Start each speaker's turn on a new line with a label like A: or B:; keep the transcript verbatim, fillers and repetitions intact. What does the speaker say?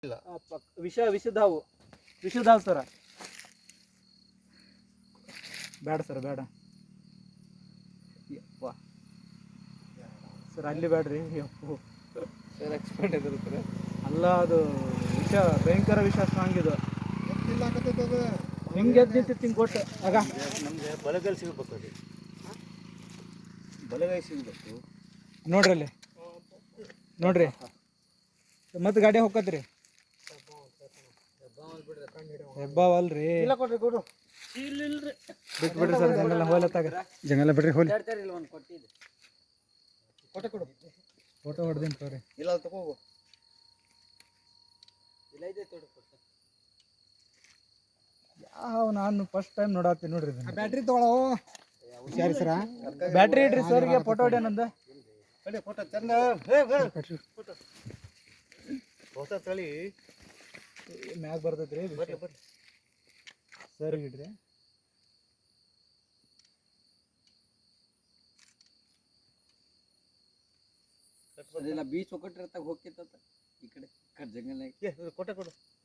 A: ಇಲ್ಲ
B: ಆ, ಪಕ್- ವಿಷ ವಿಷದ ಹಾವು ವಿಷದ ಹಾವು ಸರ ಬೇಡ ಸರ್ ಬೇಡ ಯಪ್ಪ ಸರ್ ಅಲ್ಲಿ ಬೇಡ್ರಿ ಯಪ್ಪು
A: ಸರ್ ಎಕ್ಸ್ಪರ್ಟ್ ಇದ್ರು ಸರ್
B: ಅಲ್ಲ ಅದು ವಿಷ ಭಯಂಕರ ವಿಷ ಸ್ಟ್ರಾಂಗ್ ಇದು
C: ಇಲ್ಲ ಆಗತ್ತೈತೆ ಅದು
B: ಹಿಂಗೆ ಎದ್ದು ನಿಂತಿತ್ತು ಹಿಂಗೆ ಕೊಟ್ಟು ಆಗ
A: ನಮಗೆ ಬಲಗೈ ಸಿಗಬೇಕು ಅದು ಬಲಗೈ ಸಿಗಬೇಕು
B: ನೋಡ್ರಿ ಅಲ್ಲಿ ನೋಡ್ರಿ ಮತ್ತೆ ಗಾಡಿ ಹೋಗತ್ರಿ ಹೆಬ್ಬಾವ್ ಅಲ್ರಿ
C: ಇಲ್ಲ ಕೊಡ್ರಿ ಕೊಡು
B: ಬಿಟ್ಟು ಬಿಡ್ರಿ ಸರ್ ಜಂಗಲ್ ಹೋಲತ್ತಾಗ ಜಂಗಲ ಬಿಡ್ರಿ ಹೋಲಿ
C: ಕೊಟ್ಟೆ ಕೊಡು
B: ಫೋಟೋ ಹೊಡೆದಿನಿ ತೋರಿ
C: ಇಲ್ಲ ಅದು ತಗೋ
B: ಯಾವ ನಾನು ಫಸ್ಟ್ ಟೈಮ್ ನೋಡತ್ತೀನಿ ನೋಡ್ರಿ
C: ಬ್ಯಾಟ್ರಿ ತಗೊಳ್ಳೋ ಹುಷಾರಿ ಸರ
B: ಬ್ಯಾಟ್ರಿ ಇಡ್ರಿ ಸರ್ಗೆ ಫೋಟೋ ಹೊಡ್ಯಾನಂದ
C: ಕಡೆ ಫೋಟೋ ಚಂದ ಫೋಟೋ
A: ಹೊಸ ತಳಿ
B: ಮ್ಯಾಗ ಬರ್ತೈತ್ರಿ
A: ಬರ್ಲಿ ಬರ್ಲಿ
B: ಸರ್ ಇಡ್ರಿ
D: ಅದೆಲ್ಲ ಬೀಚ್ ಒಕ್ಕಟ್ಟಿರ್ತಾಗ ಹೋಗ್ತಿತ್ತ ಈ ಕಡೆ ಜಂಗಲ್ನಾಗ
A: ಏ ಕೊಟ್ಟೆ ಕೊಡು